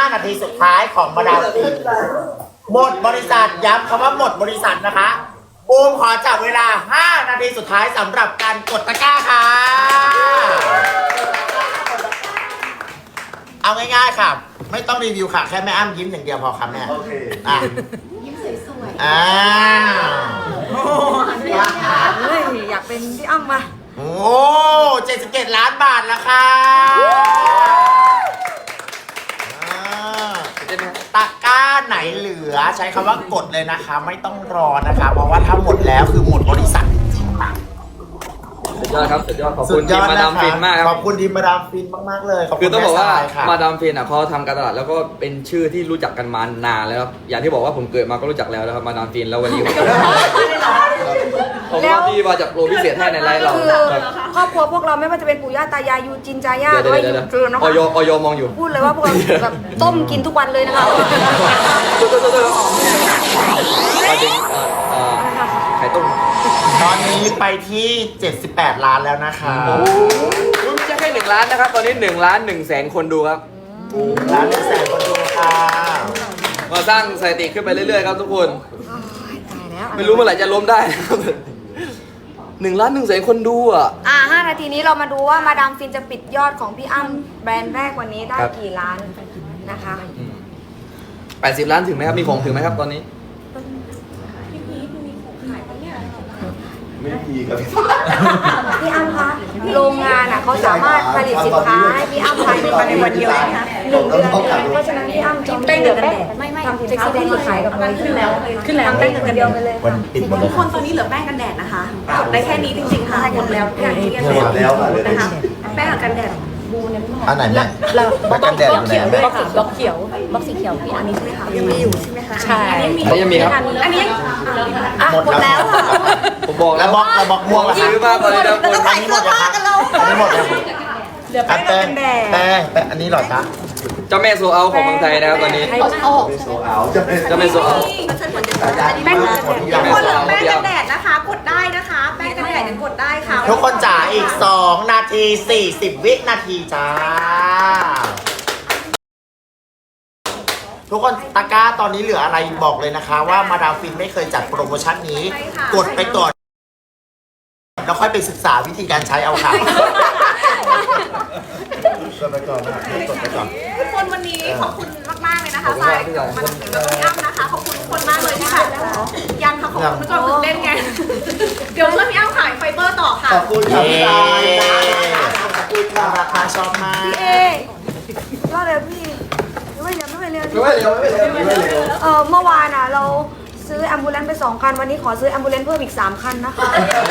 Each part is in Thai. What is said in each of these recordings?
5 นาทีสุดท้ายของมาดามฟินหมดบริษัทย้ำคำว่าหมดบริษัทนะคะบูมขอจับเวลา5 นาทีสุดท้ายสำหรับการกดตะกร้าค่ะเอาง่ายๆค่ะไม่ต้องรีวิวค่ะแค่แม่อ้ำยิ้มอย่างเดียวพอค่ะแม่โอเคยิ้มสวยอ่าอยากเป็นพี่อ้ำมาโอ้77 ล้านบาทแล้วค่ะตะกร้าไหนเหลือใช้คำว่ากดเลยนะคะไม่ต้องรอนะคะเพราะว่าถ้าหมดแล้วคือหมดบริษัทจริงๆค่ะสุดยอดครับสุดยอดขอบคุณทีมมาดามฟินมากครับขอบคุณทีมมาดามฟินมากๆเลยคือต้องบอกว่ามาดามฟินอ่ะเขาทำการตลาดแล้วก็เป็นชื่อที่รู้จักกันมานานแล้วครับอย่างที่บอกว่าผมเกิดมาก็รู้จักแล้วนะครับมาดามฟินแล้ววันนี้ผมก็ที่มาจากโปรพิเศษให้ในไลฟ์เราครอบครัวพวกเราไม่ว่าจะเป็นปู่ย่าตายายยูจินจาย่าหรือว่ายูเกินนะคะออยมองอยู่พูดเลยว่าพวกเราแบบต้มกินทุกวันเลยนะคะไข่ต้มตอนนี้ไปที่78 ล้านแล้วนะคะไม่ใช่แค่1 ล้านนะครับตอนนี้1,100,000 คนดูครับ 1,100,000 คนดูค่ะมาสร้างสถิติขึ้นไปเรื่อยๆครับทุกคนตายแล้วไม่รู้เมื่อไหร่จะล้มได้นะครับ1,100,000 คนดูอ่ะ 5 นาทีนี้เรามาดูว่ามาดามฟินจะปิดยอดของพี่อ้ำแบรนด์แรกวันนี้ได้กี่ล้านนะคะ 80 ล้านถึงไหมครับมีของถึงไหมครับตอนนี้ไม่มีครับพี่อ้ำคะโรงงานเขาสามารถผลิตสินค้าให้พี่อ้ำภายในวันเดียวนะคะ1 เดือนเพราะฉะนั้นพี่อ้ำจองแป้งเดือนกันแดดทำสินค้าแบรนด์ขายกับเราขึ้นแล้วทำแป้งเดือนกันเดียวไปเลยทุกคนตอนนี้เหลือแป้งกันแดดนะคะกดได้แค่นี้จริงๆค่ะหมดแล้วอย่างที่เรียนนะคะแป้งกันแดดอันไหนเนี่ยบล็อกกันแดดอยู่ไหนแม่บล็อกเขียวบล็อกสีเขียวพี่อันนี้ใช่ไหมคะยังมีอยู่ใช่ไหมคะใช่อันนี้ยังมีครับอันนี้หมดแล้วผมบอกแล้วบล็อกม่วงซื้อมาตอนนี้นะคนอันนี้หมดแล้วอันนี้หมดแล้วเหลือแป้งกันแดดแป้งอันนี้หรอจ๊ะเจ้าแม่โซเอาของเมืองไทยนะครับตอนนี้โซเอาเจ้าแม่โซเอาแป้งกันแดดทุกคนเหลือแป้งกันแดดนะคะกดได้นะคะแป้งกันแดดยังกดได้ค่ะทุกคนจ๋าอีก2 นาที 40 วินาทีจ้าทุกคนตะกร้าตอนนี้เหลืออะไรบอกเลยนะคะว่ามาดามฟินไม่เคยจัดโปรโมชั่นนี้กดไปก่อนแล้วค่อยไปศึกษาวิธีการใช้เอาค่ะกดไปก่อนนะกดไปก่อนทุกคนวันนี้ขอบคุณมากๆเลยนะคะฝ่ายมาดามฟินแล้วก็พี่อ้ำนะคะขอบคุณทุกคนมากเลยที่แบบยังค่ะขอบคุณทุกคนตื่นเต้นไงเดี๋ยวเพื่อนพี่อ้ำขายไฟเบอร์ต่อค่ะขอบคุณครับพี่ขอบคุณค่ะราคาชอบมากพี่รอดเลยพี่ไม่เร็วไม่เร็วเมื่อวานอ่ะเราซื้อแอมบูเลนซ์ไป2 คันวันนี้ขอซื้อแอมบูเลนซ์เพิ่มอีก3 คันนะคะ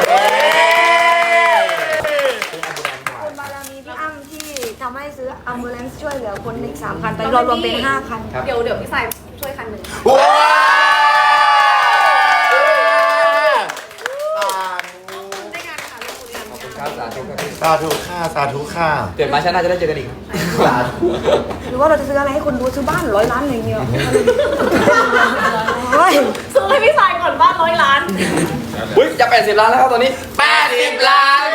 คุณบารมีพี่อ้ำที่ทำให้ซื้อแอมบูเลนซ์ช่วยเหลือคนอีก3 คันตอนนี้เรารวมเป็น5 คันเดี๋ยวพี่สายช่วยคันหนึ่งสาธุค่ะสาธุค่ะเกิดมาชาติหน้าจะได้เจอกันอีกสาธุหรือว่าเราจะซื้ออะไรให้คนดูซื้อบ้าน100 ล้านอะไรเงี้ยซื้อให้พี่สายก่อนบ้าน100 ล้านอุ้ยจะ80 ล้านแล้วครับตอนนี้ 80 ล้าน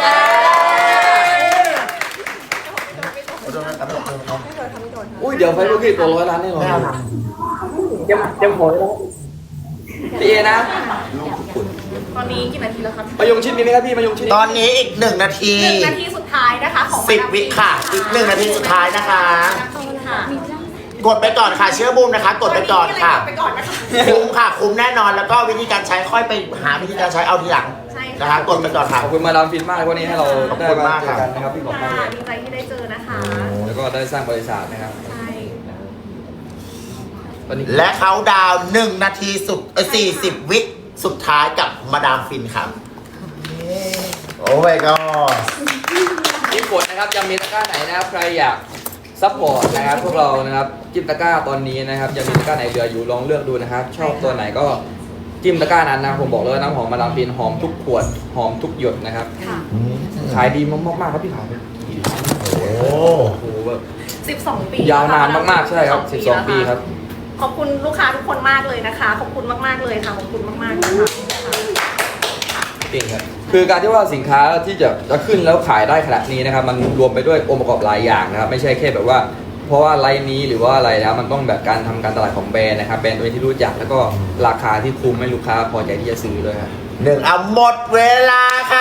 อุ้ยเดี๋ยวไฟลุกขึ้นตัว100 ล้านแน่นอนยังพอแล้วพี่เอนะตอนนี้กี่นาทีแล้วครับมายงชิดมีไหมครับพี่มายงชิดตอนนี้อีก1 นาที 1 นาทีสุดท้ายนะคะของ 10 วิค่ะอีก1 นาทีสุดท้ายนะคะกดไปก่อนค่ะเชื่อบูมนะคะกดไปก่อนค่ะคุ้มค่ะคุ้มแน่นอนแล้วก็วิธีการใช้ค่อยไปหาวิธีการใช้เอาทีหลังนะคะกดไปก่อนค่ะขอบคุณมาดามฟินมากวันนี้ให้เราได้มาเจอกันนะครับพี่บอกมากดีใจที่ได้เจอนะคะแล้วก็ได้สร้างบริษัทนะครับใช่และเขาดาว1 นาทีสุด40 วิสุดท้ายกับมาดามฟินครับโอ้ยก็ที่กดนะครับยังมีตะกร้าไหนนะครับใครอยากซัพพอร์ตนะครับพวกเรานะครับจิ้มตะกร้าตอนนี้นะครับยังมีตะกร้าไหนเหลืออยู่ลองเลือกดูนะครับชอบตัวไหนก็จิ้มตะกร้านั้นนะผมบอกเลยน้ำหอมมาดามฟินหอมทุกขวดหอมทุกหยดนะครับขายดีมากๆครับพี่ขายโอ้โหแบบ 12 ปียาวนานมากๆใช่ครับ12 ปีครับขอบคุณลูกค้าทุกคนมากเลยนะคะขอบคุณมากๆเลยค่ะขอบคุณมากๆนะคะเก่งครับคือการที่ว่าสินค้าที่จะขึ้นแล้วขายได้ขนาดนี้นะครับมันรวมไปด้วยองค์ประกอบหลายอย่างนะครับไม่ใช่แค่แบบว่าเพราะว่าไลน์นี้หรือว่าอะไรนะมันต้องแบบการทำการตลาดของแบรนด์นะครับแบรนด์ตัวที่รู้จักแล้วก็ราคาที่คุ้มให้ลูกค้าพอใจที่จะซื้อด้วยครับหนึ่งเอาหมดเวลาค่ะ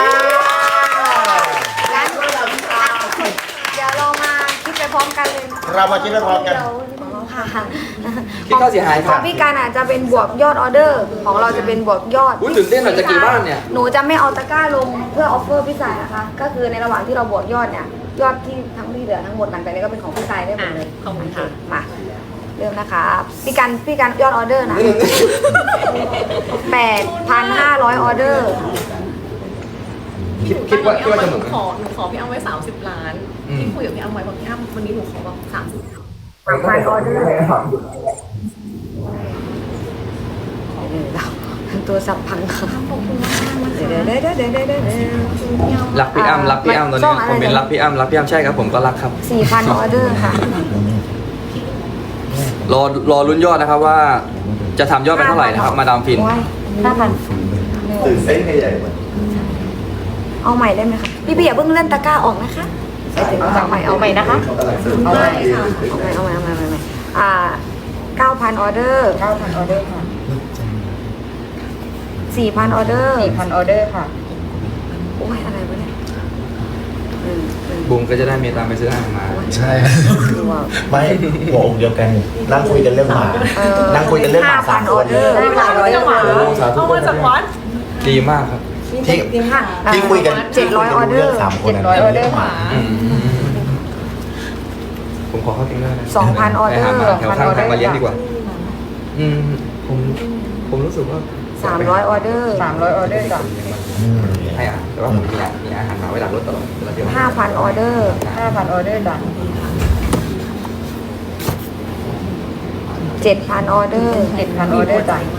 งั้นเดี๋ยวเรามาคิดไปพร้อมกันเลยเรามาคิดไปพร้อมกันค่ะคิดค่าเสียหายขครัอบ งพี่การอาจจะเป็นบวกยอดออเดอร์ ของเราจะเป็นบวกยอดอุ้ยตื่นเต้นหน่อยจะกี่บ้านเนี่ยหนูจะไม่เอาตะกร้าลงเพื่อออฟเฟอร์พี่สายนะคะ ก็คือในระหว่างที่เราบวกยอดเนี่ย ยอดที่ทั้งที่เหลือทั้งหมดหลังจากนี้ก็เป็นของพี่สายได้หมดเลยขอบคุณค่ะมาเริ่มนะคะพี่การยอดออเดอร์นะ 8,500 ออเดอร์คิดว่าจะหมุนหนูขอพี่อ้ำไว้30 ล้านที่คุยกับพี่อ้ำไว้บอกพี่อ้ำวันนี้หนูขอแบบ30 3,000 ออเดอร์ตัวสับพังค่ะขอบคุณมากๆนะคะเดี๋ยวรักพี่อ้ำรักพี่อ้ำตอนนี้คอมเมนต์รักพี่อ้ำรักพี่อ้ำใช่ครับผมก็รักครับ 4,000 ออเดอร์ค่ะรอลุ้นยอดนะครับว่าจะทำยอดไปเท่าไหร่นะครับมาดามฟิน 5,000 ตื่นเต้นใหญ่เหมือนเอาใหม่ได้ไหมคะพี่อย่าเพิ่งเล่นตะกร้าออกนะคะเอาใหม่นะคะเอาใหม่ค่ะเอาใหม่9,000 ออเดอร์ 9,000 ออเดอร์ค่ะ 4,000 ออเดอร์ 4,000 ออเดอร์ค่ะโอ้ยอะไรวะเนี่ยบุ้มก็จะได้มีตามไปซื้ออาหารมาใช่ไม่หัวอกเดียวกันนั่งคุยกันเรื่องหมานั่งคุยกันเรื่องหมาสาม 5,000 คออน เดอร์ได้เวลาเราจะหวานเอามาจากวัดดีมากครับที่คุยกัน 700 ออเดอร์สามคน 700 ออเดอร์ค่ะผมขอเข้าติ้งได้นะ 2,000 ออไปเดอหาร์หมาแถวข้างทางมาเลี้ยงดีกว่า ผมรู้สึกว่า 300 ออเดอร์ 300 ออเดอร์จ้ะให้อาหารแต่ว่าผมมีอาหารหมาไว้หลังรถตลอดเวลาเที่ยว 5,000 ออเดอร์ 5,000 ออเดอร์จ้ะ 7,000 ออเดอร์ 7,000 ออเดอร์จ้ะ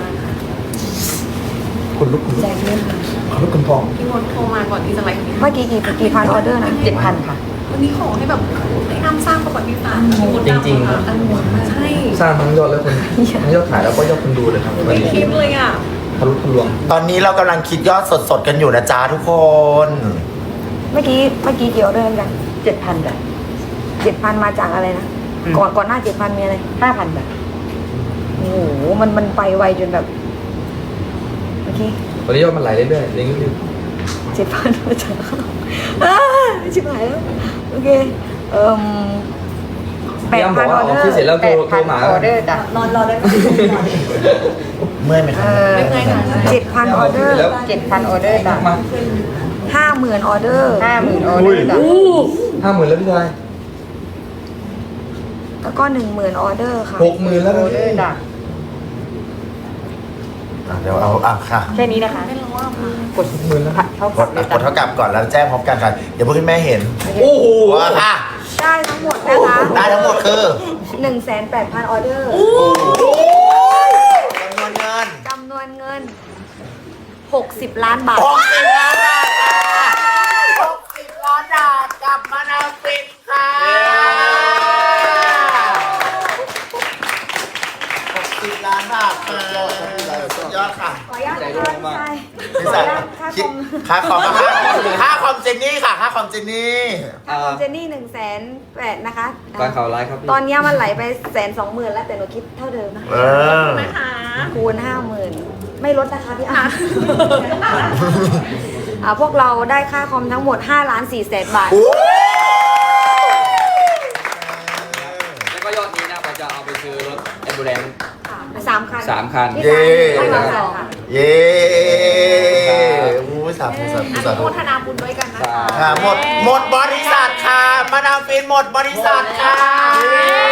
คุณลูกคุณลูกคุณพองพี่มดโทรมาก่อนที่จะไลฟ์เมื่อกี้กี่พันออเดอร์นะ 7,000 ค่ะวันนี้ขอให้แบบให้อ้ำสร้างประวัติศาสตร์มดดำค่ะใช่สร้างทั้งยอดและคนทั้งยอดขายแล้วก็ยอดคนดูเลยครับวันไม่นี้คิดเลยอ่ะทะลุทะลวงตอนนี้เรากำลังคิดยอดสดๆกันอยู่นะจ๊ะทุกคนเมื่อกี้กี่ออเดอร์กัน 7,000 จ้ะ 7,000 มาจากอะไรนะ ก่อนหน้า 7,000 มีอะไร 5,000 จ้ะโอ้โห มันไปไวจนแบบ เมื่อกี้วันนี้ยอดมันไหลเรื่อยๆเรื่อย 7,000 มาจากชิบหายแล้ว โอเคๆพี่อ้ำบอก 8,000 อว่าออเดออกที่เสร็จร์แล้วโทรหมา 8,000 ออเดอร์จ้ะรอได้เมื่อยไหมครับไม่เคยค่ะ 7,000 ออเดอร์ 7,000 ออเดอร์จ้ะมา 50,000 ออเดอร์ 50,000 ออเดอร์จ้ะ 50,000แล้วพี่ชายแล้วก็ 10,000 ออเดอร์ค่ะ 60,000แล้วออเดอร์จ้ะเดี๋ยวเอาค่ะแค่นี้นะคะไม่รู้ว่าค่ะกด 60,000แล้วเท่าก กัดบเลยกดเท่ากับก่อนแล้วแจ้งพร้อมกันค่ะเดี๋ยวพวกคุณแม่เห็นโอ้โหว่าค่ะได้ทั้งหมดนะคะได้ทั้งหมดคือ 1,800 ออเดอร์จำนวนเงินจำนวนเงิน 60 ล้านบาท 60 ล้านบาทค่ะ60 ล้านบาทกลับมานาฟินค่ะ60 ล้านบาทสุดยอดค่ะขออนุญาตนะคะพี่สายคิดค่าคอมค่าคอมเจนนี่ค่ะค่าคอมเจนนี่ค่าคอมเจนนี่1,800,000นะคะการข่าวไลฟ์ครับพี่ตอนนี้มันไหลไป120,000แล้วแต่หนูคิดเท่าเดิมนะนะคะคูณ 50,000 ไม่ลดนะคะพี่อ่ะพวกเราได้ค่าคอมทั้งหมด5,400,000 บาทแล้วก็ยอดนี้นะเราจะเอาไปซื้อรถแอมบูเลนซ์ 3 คัน 3 คันพี่ชายให้มาสองเย้อู้สาธุสาธุอสานุธุโมทนาบุญด้วยกันนะคะค่ะหมดบริษัทค่ะมาดามฟินหมดบริษัทค่ะ